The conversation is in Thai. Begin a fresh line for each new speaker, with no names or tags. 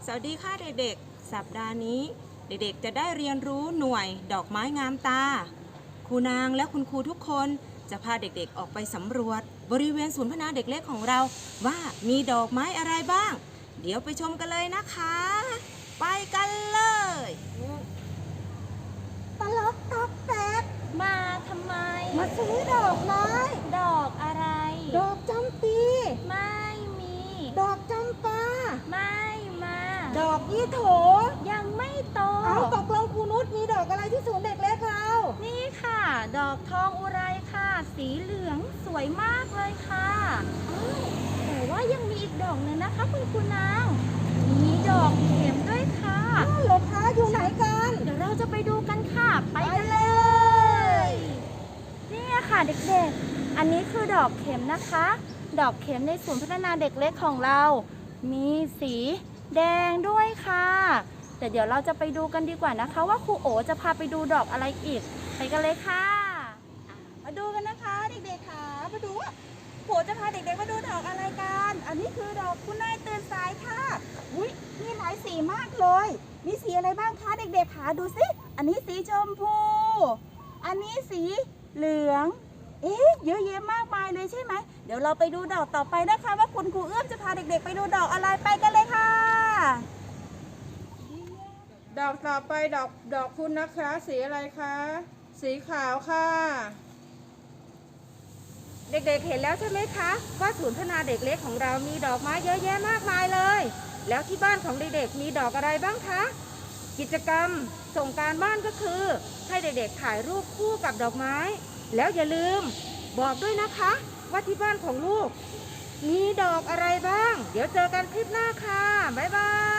วัสดีค่ะเด็กๆสัปดาห์นี้เด็กๆจะได้เรียนรู้หน่วยดอกไม้งามตาครูนางและคุณครูทุกคนจะพาเด็กๆออกไปสำรวจบริเวณศูนย์พัฒนาเด็กเล็กของเราว่ามีดอกไม้อะไรบ้างเดี๋ยวไปชมกันเลยนะคะไปกันเลย
ตลกตอกแตก
มาทำไม
มาซื้อดอกไม้
ดอกอะไร
ดอกจำปี
ไม่มี
ดอกจำปา
ไม่มา
ดอกยี่โถ
ยังไม่โต
เอาตกลงครูนุชมีดอกอะไรที่ศูนย์เด็กเล็กเรา
นี่ค่ะ ดอกทองอุไรค่ะ สีเหลืองสวยมากเลยค่ะแต่ว่ายังมีอีกดอกหนึ่งนะคะคุณครูนางมีดอกเข็มด้วยค่ะ
อ้าวเหรอคะอยู่ไหนกัน
เดี๋ยวเราจะไปดูกันค่ะ ไปกันเลย นี่ค่ะเด็กๆ อันนี้คือดอกเข็มนะคะ ดอกเข็มในศูนย์พัฒนาเด็กเล็กของเรา มีสีแดงด้วยค่ะ แต่เดี๋ยวเราจะไปดูกันดีกว่านะคะ ว่าครูโอจะพาไปดูดอกอะไรอีก ไปกันเลยค่ะ
มาดูกันนะคะเด็กๆค่ะมาดูว่าโหจะพาเด็กๆมาดูดอกอะไรกันอันนี้คือดอกคุณนายตื่นสายค่ะอุ้ยมีหลายสีมากเลยมีสีอะไรบ้างคะเด็กๆค่ะดูสิอันนี้สีชมพูอันนี้สีเหลืองเยอะแยะมากมายเลยใช่ไหมเดี๋ยวเราไปดูดอกต่อไปนะคะว่าคุณครูเอื้อมจะพาเด็กๆไปดูดอกอะไรไปกันเลยค่ะ
ดอกต่อไปดอกคุณนะคะสีอะไรคะสีขาวค่ะ
เด็กๆเห็นแล้วใช่ไหมคะว่าศูนย์พัฒนาเด็กเล็กของเรามีดอกไม้เยอะแยะมากมายเลยแล้วที่บ้านของเด็กๆมีดอกอะไรบ้างคะกิจกรรมส่งการบ้านก็คือให้เด็กๆถ่ายรูปคู่กับดอกไม้แล้วอย่าลืมบอกด้วยนะคะว่าที่บ้านของลูกมีดอกอะไรบ้างเดี๋ยวเจอกันคลิปหน้าค่ะบ๊ายบาย